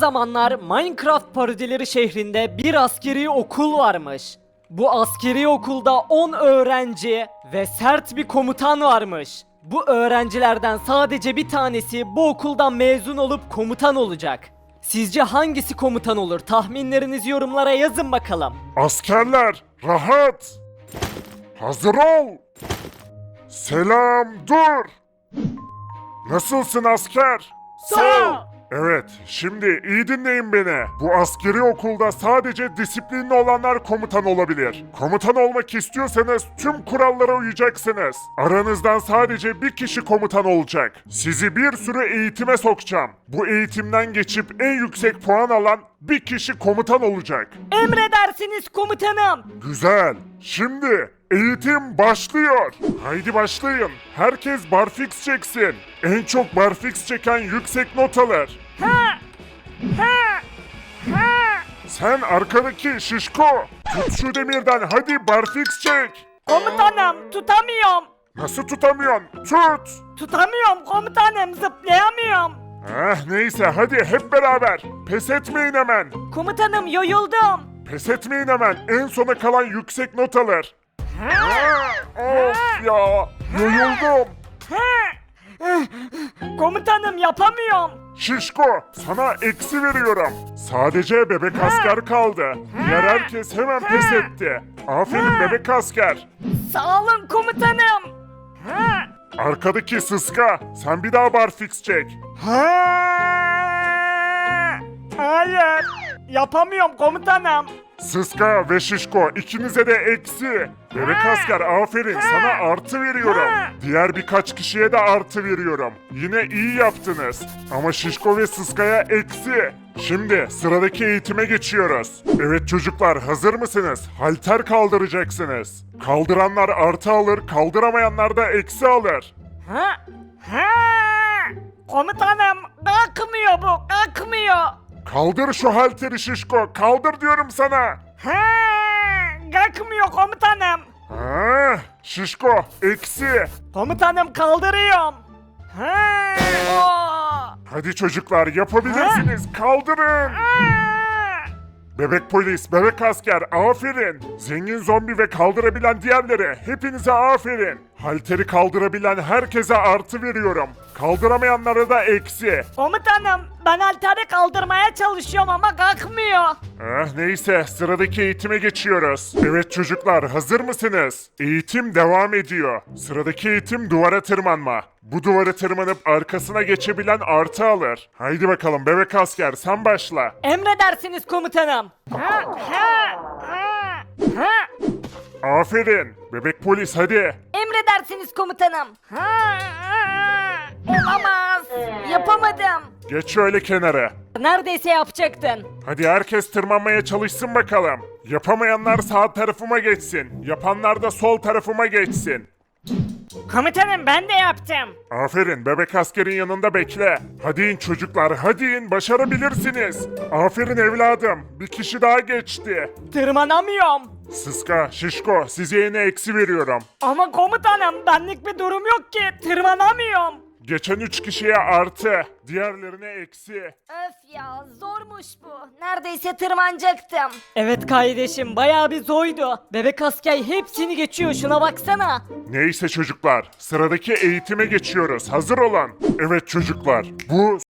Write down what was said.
zamanlar Minecraft parodileri şehrinde bir askeri okul varmış. Bu askeri okulda 10 öğrenci ve sert bir komutan varmış. Bu öğrencilerden sadece bir tanesi bu okuldan mezun olup komutan olacak. Sizce hangisi komutan olur? Tahminlerinizi yorumlara yazın bakalım. Askerler, rahat! Hazır ol! Selam, dur! Nasılsın asker? Sağ ol. Evet, şimdi iyi dinleyin beni. Bu askeri okulda sadece disiplinli olanlar komutan olabilir. Komutan olmak istiyorsanız tüm kurallara uyacaksınız. Aranızdan sadece bir kişi komutan olacak. Sizi bir sürü eğitime sokacağım. Bu eğitimden geçip en yüksek puan alan bir kişi komutan olacak. Emredersiniz komutanım. Güzel. Şimdi eğitim başlıyor. Haydi başlayın. Herkes barfix çeksin. En çok barfix çeken yüksek not alır. Sen arkadaki şişko. Tut şu demirden hadi barfix çek. Komutanım tutamıyorum. Nasıl tutamıyorsun? Tut. Tutamıyorum komutanım, zıplayamıyorum. Neyse hadi hep beraber. Pes etmeyin hemen. Komutanım yoruldum. Pes etmeyin hemen. En sona kalan yüksek not alır. Of ya. Yoruldum. Komutanım yapamıyorum. Şişko, sana eksi veriyorum. Sadece bebek asker kaldı. Diğer herkes hemen pes etti. Aferin bebek asker. Sağ olun komutanım. Arkadaki sıska, sen bir daha barfix çek. Hayır. Yapamıyorum komutanım. Sıska ve şişko ikinize de eksi. Bebek asker aferin sana artı veriyorum. Diğer birkaç kişiye de artı veriyorum. Yine iyi yaptınız. Ama şişko ve sıskaya eksi. Şimdi sıradaki eğitime geçiyoruz. Evet çocuklar hazır mısınız? Halter kaldıracaksınız. Kaldıranlar artı alır, kaldıramayanlar da eksi alır. Komutanım kalkmıyor bu, kalkmıyor. Kaldır şu halteri şişko, kaldır diyorum sana. Kalkmıyor komutanım. Şişko, eksi. Komutanım kaldırıyorum. Hadi çocuklar yapabilirsiniz, kaldırın. Bebek polis, bebek asker, aferin. Zengin zombi ve kaldırabilen diğerleri, hepinize aferin. Halteri kaldırabilen herkese artı veriyorum. Kaldıramayanlara da eksi. Komutanım ben halteri kaldırmaya çalışıyorum ama kalkmıyor. Neyse, sıradaki eğitime geçiyoruz. Evet çocuklar, hazır mısınız? Eğitim devam ediyor. Sıradaki eğitim duvara tırmanma. Bu duvara tırmanıp arkasına geçebilen artı alır. Haydi bakalım bebek asker, sen başla. Emredersiniz komutanım. Aferin. Bebek polis hadi. Emredersiniz komutanım. Olamaz. Yapamadım. Geç şöyle kenara. Neredeyse yapacaktın. Hadi herkes tırmanmaya çalışsın bakalım. Yapamayanlar sağ tarafıma geçsin. Yapanlar da sol tarafıma geçsin. Komutanım ben de yaptım. Aferin bebek askerin yanında bekle. Hadi in çocuklar hadi in başarabilirsiniz. Aferin evladım bir kişi daha geçti. Tırmanamıyorum. Sıska, şişko size yine eksi veriyorum. Ama komutanım benlik bir durum yok ki. Tırmanamıyorum. Geçen 3 kişiye artı, diğerlerine eksi. Öf ya zormuş bu. Neredeyse tırmanacaktım. Evet kardeşim bayağı bir zoydu. Bebek asker hepsini geçiyor, şuna baksana. Neyse çocuklar, sıradaki eğitime geçiyoruz. Hazır olun. Evet çocuklar, bu